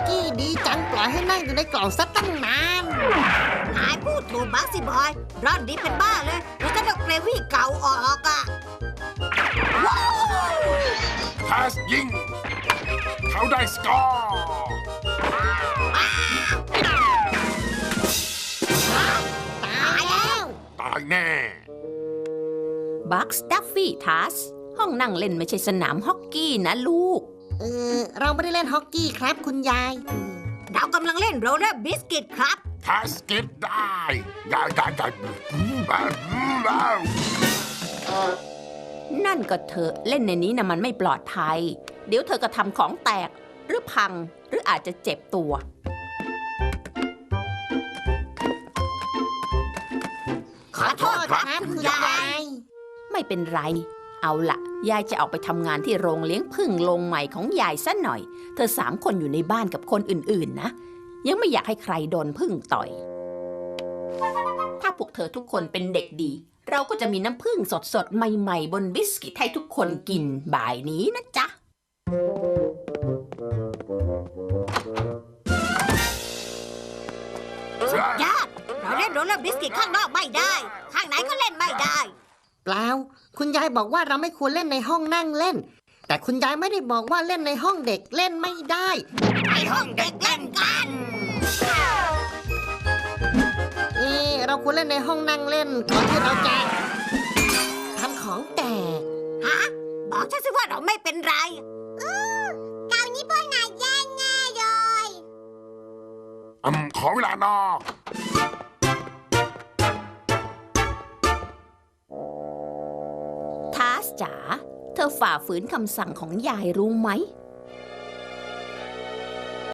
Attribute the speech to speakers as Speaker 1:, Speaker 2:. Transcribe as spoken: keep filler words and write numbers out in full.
Speaker 1: กี้ดีจังปล่อยให้นั่งอยู่ในกล่องซะตั้งนาน
Speaker 2: นายพูดถูกบักสิบอยร่อนดีเป็นบ้าเลยแล้วก็ต้องเกรวี่เก่าออกอ่ะว้าว
Speaker 3: พาสยิง เขาได้สกอร์
Speaker 1: ตายแล้ว
Speaker 3: ตายแน่
Speaker 4: บัคสตัฟฟี่ทัสห้องนั่งเล่นไม่ใช่สนามฮอกกี้นะลูก
Speaker 1: เออเราไม่ได้เล่นฮอกกี้ครับคุณยาย
Speaker 2: เรากำลังเล่นโรลเลอร์บิสกิตครับ
Speaker 3: พาสเก็ตได้ได้ได้ได้บ้าบ้า
Speaker 4: นั่นก็เถอะเล่นในนี้นะมันไม่ปลอดภัย เดี๋ยวเธอก็ทำของแตกหรือพังหรืออาจจะเจ็บตัว
Speaker 1: ขอโทษครับคุณยาย
Speaker 4: ไม่เป็นไร เอาละยายจะออกไปทำงานที่โรงเลี้ยงผึ้งโรงใหม่ของยายซะหน่อย เธอสามคนอยู่ในบ้านกับคนอื่นๆนะ ยังไม่อยากให้ใครโดนผึ้งต่อย ถ้าพวกเธอทุกคนเป็นเด็กดี เราก็จะมีน้ำผึ้งสดๆใหม่ๆบนบิสกิตให้ทุกคนกินบ่ายนี้นะจ๊ะ
Speaker 2: ญาติเราเล่นโรลเลอร์บิสกิตข้างนอกไม่ได้ ข้างไหนก็เล่นไม่ได้
Speaker 1: เปล่าคุณยายบอกว่าเราไม่ควรเล่นในห้องนั่งเล่น แต่คุณยายไม่ได้บอกว่าเล่นในห้องเด็กเล่นไม่ได้
Speaker 2: ไปห้องเด็กเล่นกัน
Speaker 1: เออเราควรเล่นในห้องนั่งเล่นก่อนที่เราจะทำของแตก
Speaker 2: ฮะ บอกฉันสิว่าเราไม่เป็นไรคราวนี้พวกนายแย่แน่เลย
Speaker 3: อืมขอเวลานอก
Speaker 4: ทาสจ๋า เธอฝ่าฝืนคำสั่งของยายรู้ไหม